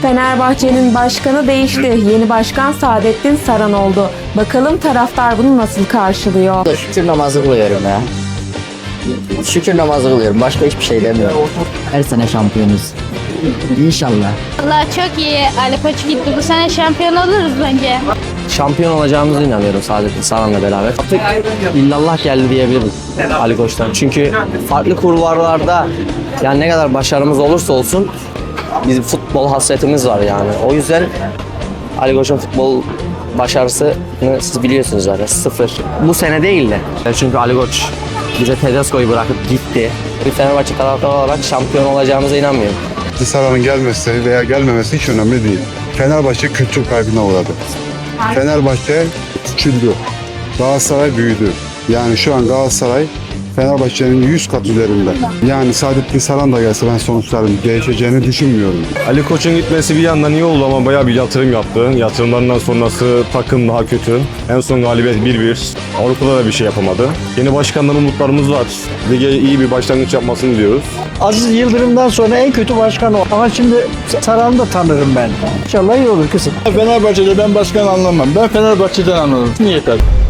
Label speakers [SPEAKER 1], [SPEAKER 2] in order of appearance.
[SPEAKER 1] Fenerbahçe'nin başkanı değişti. Yeni başkan Saadettin Saran oldu. Bakalım taraftar bunu nasıl karşılıyor?
[SPEAKER 2] Şükür namazı kılıyorum ya. Şükür namazı kılıyorum. Başka hiçbir şey demiyorum. Her sene şampiyonuz. İnşallah.
[SPEAKER 3] Valla çok iyi. Ali Koç gitti. Bu sene şampiyon oluruz bence.
[SPEAKER 4] Şampiyon olacağımıza inanıyorum Saadettin Saran'la beraber. Artık illallah geldi diyebiliriz Ali Koç'tan. Çünkü farklı kulvarlarda yani ne kadar başarımız olursa olsun bizim futbol hasretimiz var yani. O yüzden Ali Koç'un futbol başarısını siz biliyorsunuz zaten sıfır. Bu sene değil de. Çünkü Ali Koç bize Tedesco'yu bırakıp gitti. Bir Fenerbahçe taraftarı olarak şampiyon olacağımıza inanmıyorum.
[SPEAKER 5] Saran'ın gelmesi veya gelmemesi hiç önemli değil. Fenerbahçe kültür kaybına uğradı. Fenerbahçe küçüldü. Galatasaray büyüdü. Yani şu an Galatasaray Fenerbahçe'nin 100 kat üzerinde. Yani Saadettin Saran da gelse ben sonuçların değişeceğini düşünmüyorum.
[SPEAKER 6] Ali Koç'un gitmesi bir yandan iyi oldu ama bayağı bir yatırım yaptı. Yatırımlarından sonrası takım daha kötü. En son galibiyet 1-1. Avrupa'da da bir şey yapamadı. Yeni başkandan umutlarımız var. Lige iyi bir başlangıç yapmasını diliyoruz.
[SPEAKER 7] Aziz Yıldırım'dan sonra en kötü başkan o. Ama şimdi Saran'ı da tanırım ben. İnşallah iyi olur kızım.
[SPEAKER 8] Fenerbahçe'de ben başkan anlamam. Ben Fenerbahçe'den anlarım. Yeter.